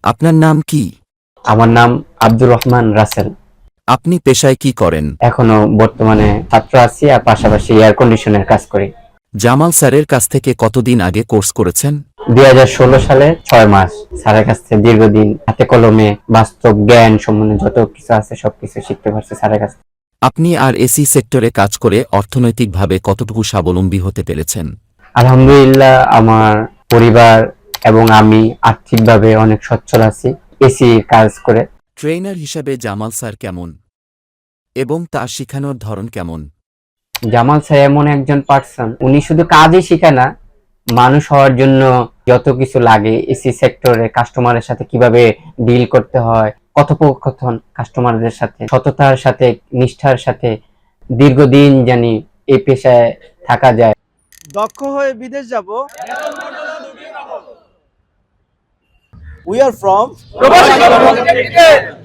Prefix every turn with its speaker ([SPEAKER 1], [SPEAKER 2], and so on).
[SPEAKER 1] আপনার নাম কি?
[SPEAKER 2] আমার নাম আব্দুর রহমান রাসেল।
[SPEAKER 1] আপনি পেশায় কি করেন?
[SPEAKER 2] এখনো বর্তমানে ছাত্র আছি আর পাশাপাশি এয়ার কন্ডিশনের কাজ করি।
[SPEAKER 1] জামাল স্যারের কাছ থেকে কতদিন আগে কোর্স করেছেন?
[SPEAKER 2] 2016 সালে 6 মাস স্যারের কাছ থেকে দীর্ঘদিন হাতে কলমে বাস্তব জ্ঞান সম্বন্ধে যত কিছু আছে সবকিছু শিখতে পারছি স্যারের কাছ থেকে।
[SPEAKER 1] আপনি আর এসি সেক্টরে কাজ করে অর্থনৈতিকভাবে কতটুকু স্বাবলম্বী হতে পেরেছেন?
[SPEAKER 2] আলহামদুলিল্লাহ, আমার পরিবার এবং আমি আর্থিকভাবে অনেক সচ্ছল আছি এসি কাজ করে।
[SPEAKER 1] ট্রেনার হিসাবে জামাল স্যার কেমন এবং তার শেখানোর ধরন কেমন?
[SPEAKER 2] জামাল স্যার এমন একজন পার্সন, উনি শুধু কাজই শেখায় না, মানুষ হওয়ার জন্য যত কিছু লাগে এসি সেক্টরে কাস্টমারের সাথে কিভাবে ডিল করতে হয়, কথোপকথন কাস্টমারদের সাথে সততার সাথে নিষ্ঠার সাথে দীর্ঘদিন জানি এই পেশায় থাকা যায়।
[SPEAKER 3] দক্ষ হয়ে বিদেশ যাব। We are from